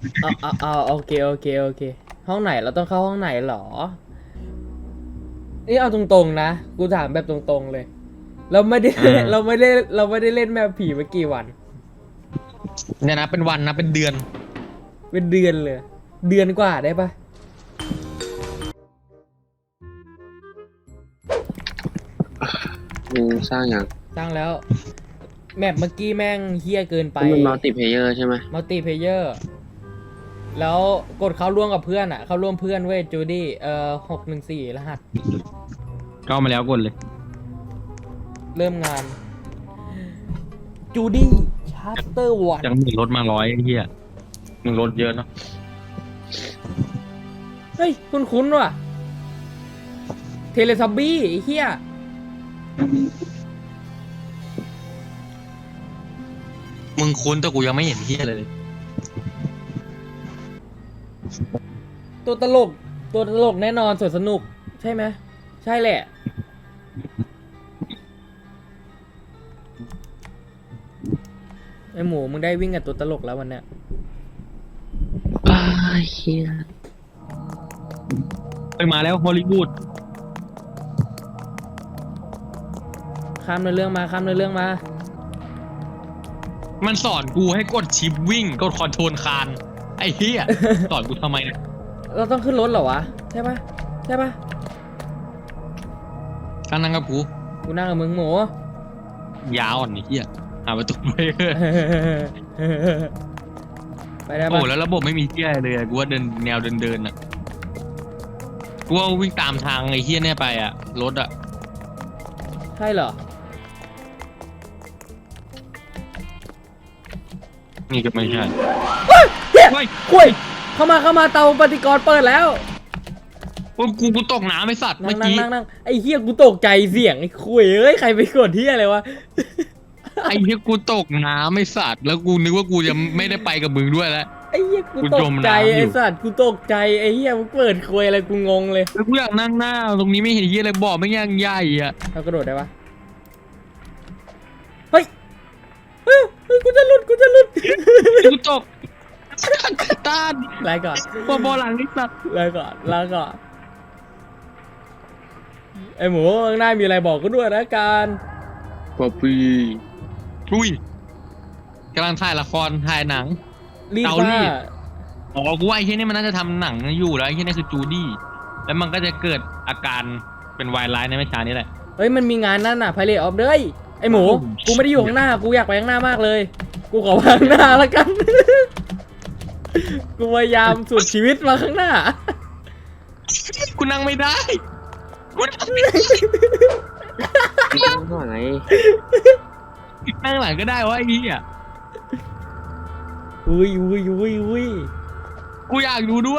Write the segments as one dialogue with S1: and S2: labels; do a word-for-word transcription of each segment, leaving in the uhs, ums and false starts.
S1: เอาเอาเอาโอเคโอเคโอเคห้องไหนเราต้องเข้าห้องไหนหรอนี่เอาตรงๆนะกูถามแบบตรงๆเลย เราไม่ได้
S2: อ่า
S1: เราไม่ได้เราไม่ได้เล่นแมปผีมากี่วัน
S2: เนี่ยนะเป็นวันนะเป็นเดือน
S1: เป็นเดือนเลย เดือนกว่าได้ปะ
S3: มึงสร้างอย่าง
S1: สร้างแล้วแมปเมื่อกี้แม่งเฮี้ยเกินไป
S3: มันมัลติเพเยอร์ใช่ไหม
S1: มัลติเพเยอร์แล้วกดเข้าร่วมกับเพื่อนอ่ะ เข้าร่วมเพื่อนเว้ยจูดี้เอ่อหกหนึ่งสี่รหัส
S2: เข้ามาแล้วกดเลย
S1: เริ่มงานจูดี้ชาร์เตอร์วัน
S2: จากหนึ่งรถมาร้อยไอ้เหี้ยหนึ่งรถเยอะเนาะ
S1: เฮ้ย คุ้นๆว่ะ เทเลซับบี้ไอ้เฮี้ย
S2: มึงคุ้นแต่กูยังไม่เห็นเหี้ยเลย
S1: ตัวตลก ตัวตลกแน่นอนสวนสนุก ใช่ไหม ใช่แหละ ไอหมูมึงได้วิ่งกับตัวตลกแล้ววันเนี้ย
S3: อ้าเฮีย
S2: ไปมาแล้วฮอลลีวูด
S1: ข้ามในเรื่องมา ข้ามในเรื่องมา
S2: มันสอนกูให้กดชิปวิ่งกดคอนโทรลคานไอ้เหี้ย สอนกูทำไมเนี่ย
S1: เราต้องขึ้นรถเหรอวะ ใช่ปะใช่ปะ
S2: การนั่งกับกู
S1: กูนั่งกับมึงหมู
S2: ยาวอ่อนไอ้เหี้ยหาประตูไป
S1: ไปได้
S2: โอ้
S1: ปะ
S2: แล้วระบบไม่มีเหี้ยอะไรเลยอะกูว่าเดินแนวเดินเดินๆอ่ะกูว่าวิ่งตามทางไอ้เหี้ยเนี่ยไปอ่ะรถอ่ะ
S1: ใช่เหรอ
S2: นี่ก็ไม่ใช่
S1: เฮีย
S2: เฮ้ย
S1: คุยเข้ามาเข้ามาเตาปฏิกรณ์เปิดแล้ว
S2: โอ้ยกูกูตกน้ำไอ้สัตว์
S1: นั่
S2: เมื่
S1: ง
S2: อ
S1: นั่ง
S2: กี้
S1: นั่งนั่งไอ้เฮียกูตกใจเสียงไอ้คุยเอ้ยใครไปกดเฮียอะไรวะ
S2: ไอ้เหี้ยกูตกน้ำไอ้สัตว์แล้วกูนึกว่ากูจะไม่ได้ไปกับมึงด้วยแล้ว
S1: ไอ้เฮียกู
S2: กู
S1: ต
S2: จ
S1: ก
S2: ม
S1: ใจ
S2: น้ำอยู่
S1: ไอ้สัตว์กูตกใจไอ้เฮียมึงเปิดคุยอะไรกูงงเลย
S2: แล้วกูอยากนั่งหน้าตรงนี้ไม่เห็นเหี้ยอะไรบอกไม่ยังใหญ่อ่ะ
S1: เรากระโดดได้ปะเฮ้ยเฮ้ยเฮ้ยกูจะหลุดกูจะหลุด
S2: กูตกต้าน
S1: ลาก่อน
S2: บอบอหลังไอ้สัตว์
S1: ลาก่อนลาก่อนไอ้หมูข้างหน้ามีอะไรบอกกูด้วยนะการ
S3: ป๊อปปี้
S2: อุ้ยกำลังถ่ายละครถ่ายหนัง
S1: รีบ
S2: เตารี
S1: มา
S2: ด อ๋อกูว่าไอ้เหี้ยนี่มันน่าจะทำหนังอยู่แล้วไอ้เหี้ยนี่คือจูดี้แล้วมันก็จะเกิดอาการเป็นวายร้ายในไม่ช้านี้แหละ
S1: เฮ้ยมันมีงานนั่นน่ะไพเรตออฟเด้ยไอ้หมูกูไม่ได้อยู่ข้างหน้ากูอยากไปข้างหน้ามากเลย กูขอมาข้างหน้าแล้วกัน กูพยายามสุดชีวิตมาข้างหน้า
S2: กูนั่งไม่ได้กูนั่งไม่ได้
S3: ไม่ต้องหน่อย
S2: นั่งหลังก็ได้วะไอ้เหี้ย
S1: อุ้ยอุ้ยอุ้ยอุ้ย
S2: กูอยากดูด้วย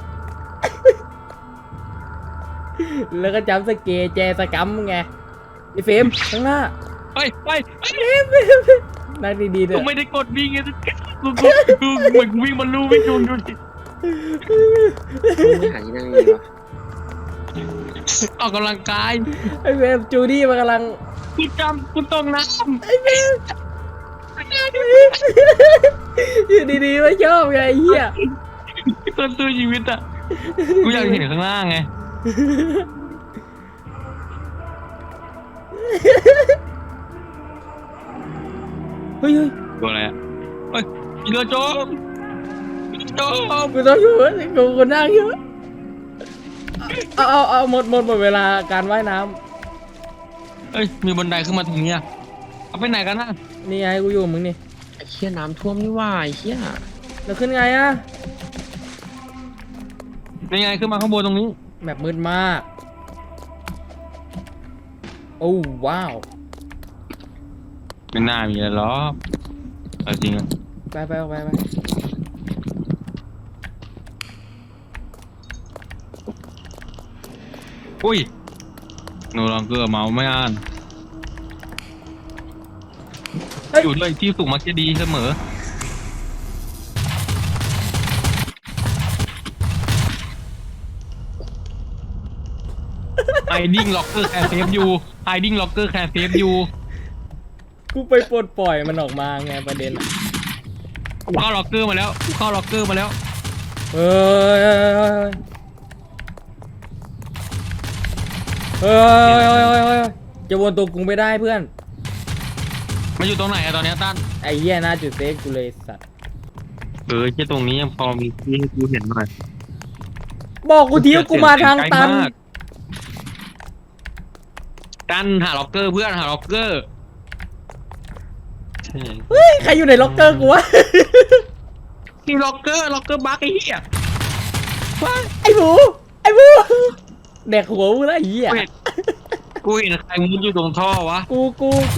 S1: แล้วก็จำสเกแจสกัมไงไอ้เฟรมข้างหน้า
S2: เฮ้ยเฮ้ยเฮ้ย
S1: นั่งดีๆเถ
S2: กู
S1: อะ
S2: ไม่ได้กดวิ่งไงกูกูกูเหมือนวิ่งบนลู่วิ่งดูดูดิ
S3: มึงไม่หาที่นั่งดีวะ
S2: ออกกำลังกาย
S1: ไอ้เฟรมจูดี้มันกำลัง
S2: กูจำกูตกน้ำ
S1: ไอ้เฟรมอยู่ดีๆไม่ชอบไงไอ้เหี้ย
S2: ต้นตัวชีวิตอ่ะกูอยากเห็นข้างล่างไง
S1: เฮ้ยเฮ้ย
S2: ตัวอะไรอ่ะเฮ้ยอีโดโจมอีโดโจม
S1: กูต้องอยู่กูกูนั่งอยู่เอาเอาเอาหมดหมดหมดเวลาการว่ายน้
S2: เฮ้ยมีบันไดขึ้นมาตรงนี้อะเอาไปไหนกันนะ
S1: ำนี่ไงกูอยู่กับมึงนี่
S3: ไอ้เฮียน้ำท่วมนี่ว่าไอ้เฮีย
S1: แล้วขึ้นไงอะ
S2: นี่ไงขึ้นมาข้างบนตรงนี้
S1: แบบมืดมาก โอ้ว้าว
S2: ไม่น่ามีอะไรหรอกเอาจริงอะ
S1: ไปไปไปไป
S2: อุ้ยโนลองเกอร์เมาไม่อ่าน
S1: เฮ้ย
S2: อยู่ด้วยที่สูงมักจะดีเสมอไฮดิ้งล็อกเกอร์แคร์เซฟอยู่ไฮดิ้งล็อกเกอร์แคร์เซฟอยู่
S1: กูไปปลดปล่อยมันออกมาไงประเด็นอะ
S2: กูเข้าล็อกเกอร์มาแล้วกูเข้าล็อกเกอร์มาแล้ว
S1: เฮ้ยเฮ้ยเฮ้ยเฮ้ยเฮ้ยเฮ้ยเฮ้ยจะวนตัวกูไม่ได้เพื่อน
S2: มันอยู่ตรงไหนอะตอนเนี้ยตั้น
S1: ไอ้เหี้ยน่าจุดเซฟกูเลยสัตว์
S2: เออแค่ตรงนี้ยังพอมีที่ให้กูเห็นหน่อย
S1: บอกกูทีว่ากูมาทางตัน
S2: ไกลมากตั้นหาล็อกเกอร์เพื่อนหาล็อกเกอร์ใช่
S1: เฮ้ยใครอยู่ในล็อกเกอร์กูวะ
S2: มีล็อกเกอร์ล็อกเกอร์บั๊กไอ้เหี้ยว้าย
S1: ไอ้หมูไอ้หมูแดกหัวมึงแล้วไอ้เหี้ย
S2: กูเห็นใครมุดอยู่ตรงท่อวะ
S1: กูกูกู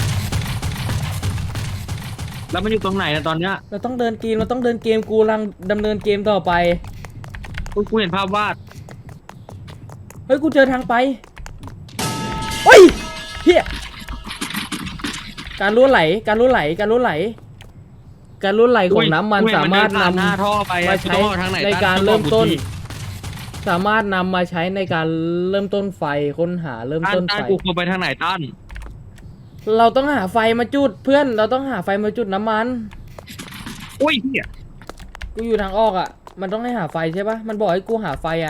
S2: แล้วมันอยู่ตรงไหนอะตอนเนี้ย
S1: เราต้องเดินเกมเราต้องเดินเกมกูกำลังดำเนินเกมต่อไป
S2: กูกูเห็นภาพวาด
S1: เฮ้ยกูเจอทางไปเฮ้ยเฮียการรั่วไหลการรั่วไหลการรั่วไหล การรั่วไหลของน้ำมันสามารถนำ
S2: หน้าท่อไป
S1: มาใช้
S2: ทางไหน
S1: ใน
S2: ตั้
S1: การ
S2: ต้อง
S1: เริ่ม
S2: บอ
S1: ต้น
S2: กูที
S1: สามารถนำมาใช้ในการเริ่มต้นไฟค้นหาเริ่ม
S2: ตั้น
S1: ต้น
S2: ตั้
S1: ไฟ
S2: นกูควรไปทางไหนตั้น
S1: เราต้องหาไฟมาจุดเพื่อนเราต้องหาไฟมาจุดน้ำมัน
S2: อุ้ยเหี้ย
S1: กูอยู่ทางออกอ่ะมันต้องให้หาไฟใช่ปะมันบอกให้กูหาไฟอ่ะ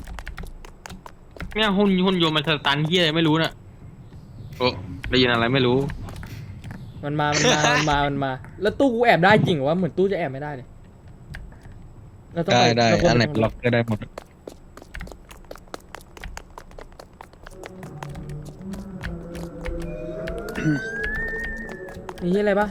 S2: เนี่ยหุ่นหุ่นยนต์มันสตันเหี้ยอะไรไม่รู้น่ะโอ้ได้ยินอะไรไม่รู้
S1: มันมา มันมา มันมา มันมา แล้วตู้กูแอบได้จริงเหรอวะเหมือนตู้จะแอบไม่ได้เลยเราต้อง
S2: ได้
S1: ไป
S2: ได้
S1: เราควร
S2: อันไหน
S1: ไป
S2: เป็นล็อกก็ได้หมด
S1: มีที่อะไรปะ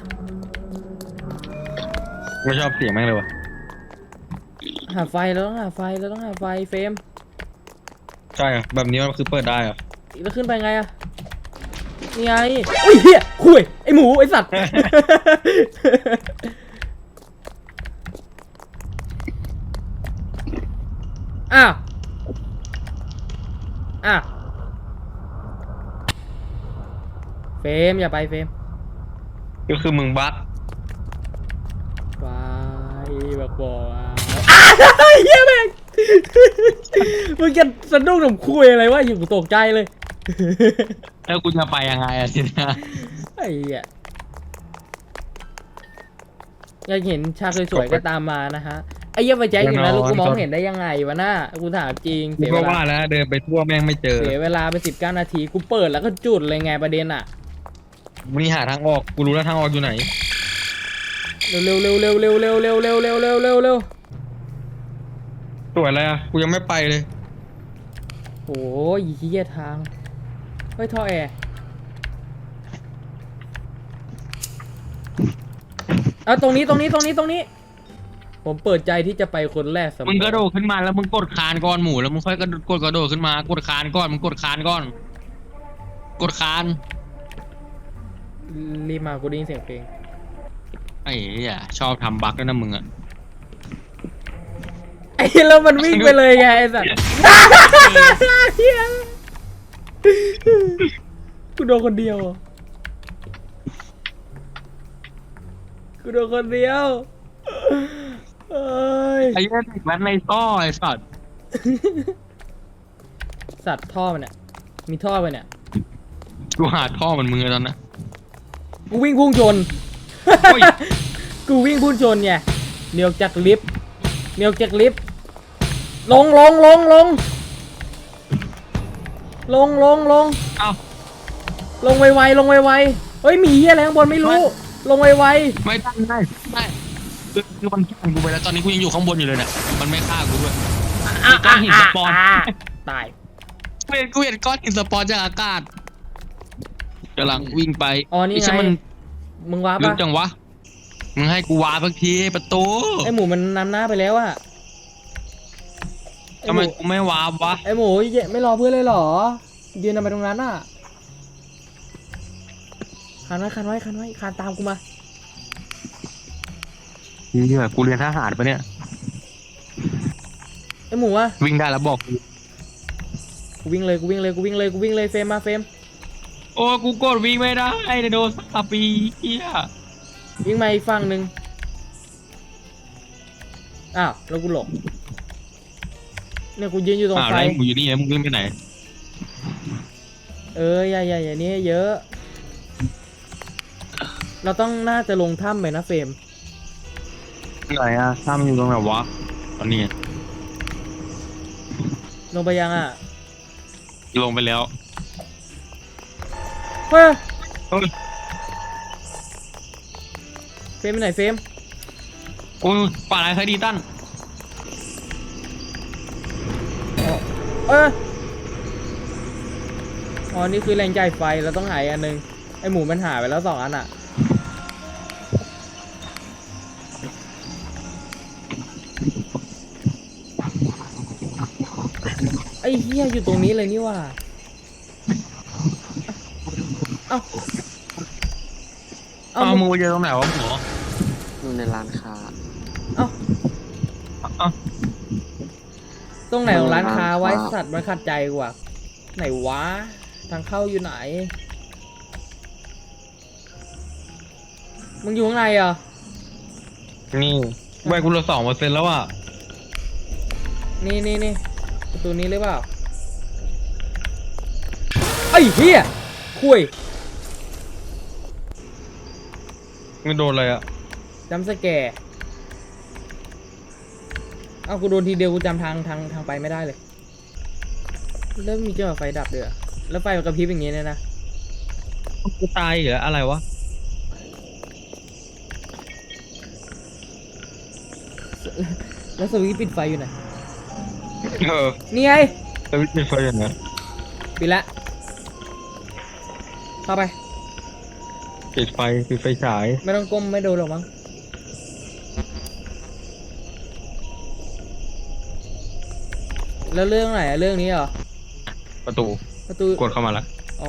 S2: ไม่ชอบเสียงแม่งเลยวะ
S1: หาไฟเราต้องหาไฟเราต้องหาไฟเฟรม
S2: ใช่เหรอแบบนี้มันคือเปิดได้เหรอ
S1: แล้วขึ้นไปไงอะนี่ไงอุ้ยเฮียคุยไอหมูไอสัตว์ อ้าวอ้าวเฟรมอย่าไปเฟรม
S2: ก็คือมึงบั๊ก
S1: ไปบักบอกอ่ะอ้าวเฮียแม่ง มึงจะสะดุ้งหนุ่มคุยอะไรวะอยู่กูตกใจเลย
S2: แล้วกูจะไปยังไงอะทีเนี้ย
S1: ไอ้เหี้ยอยากเห็นฉากสวยๆก็ตามมานะฮะไอ้เหี้ยไปแจ็คอยู่นะลูกกูมองเห็นได้ยังไงวะน่ากูถามจริง
S2: กู
S1: เสีย
S2: ก็
S1: เวลา
S2: ว่าแล้วเดินไปทั่วแม่งไม่เจอ
S1: เสียเวลาไปสิบเก้านาทีกูเปิดแล้วก็จุดเลยไงประเด็นอ่ะ
S2: มึงนี่หาทางออกกูรู้แล้วทางออกอยู่ไหน
S1: เร็วเร็วเร็วเร็วเร็วเร็วเร็วเร็วเร็วเร็วเร็วเร็ว
S2: สวยอะไรอะกูยังไม่ไปเลย
S1: โอ้ยเหี้ยทางเฮ้ยท่อแอร์เอาตรงนี้ตรงนี้ตรงนี้ตรงนี้ ผมเปิดใจที่จะไปคนแรกเสมอ
S2: มึงกระโดดขึ้นมาแล้วมึงกดคานก่อนหมูแล้วมึงค่อยกระโดดกดกระโดดขึ้นมากดคานก่อนมึงกดคานก่อน กดคาน
S1: รีบมากูได้ยินเสียงเพลง
S2: ไอ้เหี้ยชอบทำบั๊กด้วยนะมึงอะ
S1: ไอ้แล้วมันวิ่งไปเลยไงไอ้สัสเหี้ยกูโดนคนเดียวอะกูโดนคนเดียวเอ้ย
S2: ไอ้เหี้ยเด็กแว้นในท่อไอ้สัตว์
S1: สัตว์ท่อมันเนี่ยมีท่อไปเนี่ย
S2: กูหาท่อมันมึงเลยตอนนั้น
S1: กูวิ่งพุ่งชน
S2: โอ้ย
S1: กูวิ่งพุ่งชนไงเนียวจากลิฟต์เนียวจากลิฟต์ลงลงลงลงลงลงลง
S2: เอ้า
S1: ลงไวๆลงไวๆเฮ้ยหมีเหี้ยอะไรข้างบนไม่รู้ ลงไว
S2: ไม่ได้ไม่ได้ไม่ได้คือคือมันฆ่ากูไปแล้วตอนนี้กูยังอยู่ข้างบนอยู่เลยเนี่ยมันไม่ฆ่ากูด้วย
S1: ๆ
S2: มีก้อนหินสปอน
S1: ตาย
S2: กูเห็นกูเห็นก้อนหินสปอนจากอากาศกำลังวิ่งไป
S1: อ๋อนี่ไง
S2: ใช่มัน
S1: มึงว้า
S2: ลึ
S1: ปะ
S2: กจังวะมึงให้กูวาสักทีประตู
S1: ไอหมูมันนำหน้าไปแล้วอะไอ
S2: ทำ
S1: ห
S2: ไม
S1: มู
S2: กูไม่วาบวะ
S1: ไอหมูเหี้ยไม่รอเพื่อนเลยเหรอยืนทำไมตรงนั้นอะคันไว้คันไว้คันไว้คันตามกูมา
S2: เหี้ยกูเรียนทหารปะเนี่ย
S1: ไอหมูอะ
S2: วิ่งได้แล้วบอกกู
S1: กูวิ่งเลยกูวิ่งเลยกูวิ่งเลยกูวิ่งเลยเฟรมมาเฟรม
S2: โอ้กูกดวิ่งไม่ได้ไดโนเสาร์ปีเหี้ย
S1: วิ่งมาอีกฝั่งหนึ่งอ้าวแล้วกูหลบเนี่ยกูยืนอยู่ตรง
S2: อ้าว
S1: ไฟ
S2: แล้วมึงอยู่นี่ไงมึงวิ่งไปไหน
S1: เอออย่าอย่าอย่านี้เยอะ เราต้องน่าจะลงถ้ำไปนะเฟรม
S2: ไหนอะถ้ำอยู่ตรงไหนวะตอนนี้
S1: ลงไปยังอ่ะ
S2: ลงไปแล้ว
S1: เฮ้ย
S2: เฮ้ย
S1: เฟรมไปไหนเฟรม
S2: โอ้ยป่าอะไรใครดีตั้น
S1: เอออ๋อนี่คือแรงจ่ายไฟเราต้องหายอันหนึงไอหมูมันหายไปแล้วสองอันอ่ะไอเฮียอยู่ตรงนี้เลยนี่ว่าเอ้าเอ้า
S2: อ้าว
S1: มึ
S2: มึ
S1: ง
S2: งไปเจอตรงไหนวะหมอ
S3: อยู่ในร้านค้า
S1: เอ้า
S2: อ้าว
S1: ตรงไหนของร้านค้าไว้
S3: ร้านค้า
S1: สัตว์มันขัดใจกว่าไหนวะทางเข้าอยู่ไหนมึงอยู่ข้างในเหรอ
S2: นี่แวกกูเหลือสองเปอร์เซ็นต์แล้วอ่ะ
S1: นี่นี่นี่ประตูนี้หรือเปล่าไอ้เหี้ยคุย
S2: ไม่โดนเลยอ่ะ
S1: จำสแกร์เอ้ากูโดนทีเดียวกูจำทางทางทางไปไม่ได้เลยแล้วมีเจ้าไฟดับด้วยอะแล้วไฟมันกระพริบอย่างงี้เนี่ยนะ
S2: กูตายเหรออะไรวะ
S1: แล้วสวิตช์ปิดไฟอยู่ไหน
S2: เออ
S1: นี่ไง
S2: สวิตช์ปิดไฟอย่างเงี้ย
S1: ปิดละเข้าไป
S2: ปิดไฟปิดไฟฉาย
S1: ไม่ต้องก้มไม่โดนหรอกมั้งแล้วเรื่องไหนอะเรื่องนี้เหรอ
S2: ประตู
S1: ประตู
S2: กดเข้ามาละ
S1: อ๋อ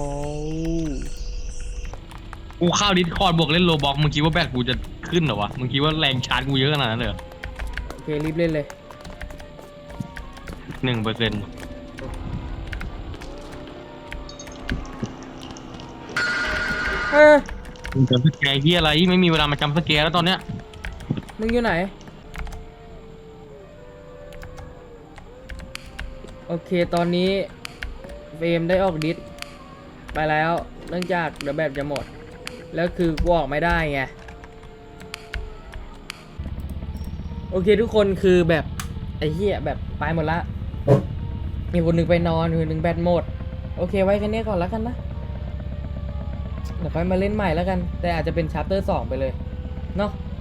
S2: กูเข้าดิสคอร์ดบวกเล่นโลบอกมึงคิดว่าแบตกูจะขึ้นเหรอวะมึงคิดว่าแรงชาร์จกูเยอะขนาดนั้นเลยเหรอ
S1: โอเครีบเล่นเลย
S2: หนึ่งเปอร์เซ็นต์
S1: เออ
S2: มึงจำสแกร์ที่อะไรไม่มีเวลามาจำสแกร์แล้วตอนเนี้ย
S1: มึงอยู่ไหน โอเคตอนนี้เฟรมได้ออกดิสไปแล้วเนื่องจากเดี๋ยวแบตจะหมด แล้วคือกูออกไม่ได้ไง โอเคทุกคนคือแบบไอ้เหี้ยแบบไปหมดละ มีคนหนึ่งไปนอนคนหนึ่งแบตหมด โอเคไว้แค่นี้ก่อนแล้วกันนะ เดี๋ยวค่อยมาเล่นใหม่แล้วกัน แต่อาจจะเป็นชาร์เตอร์สองไปเลย เนาะ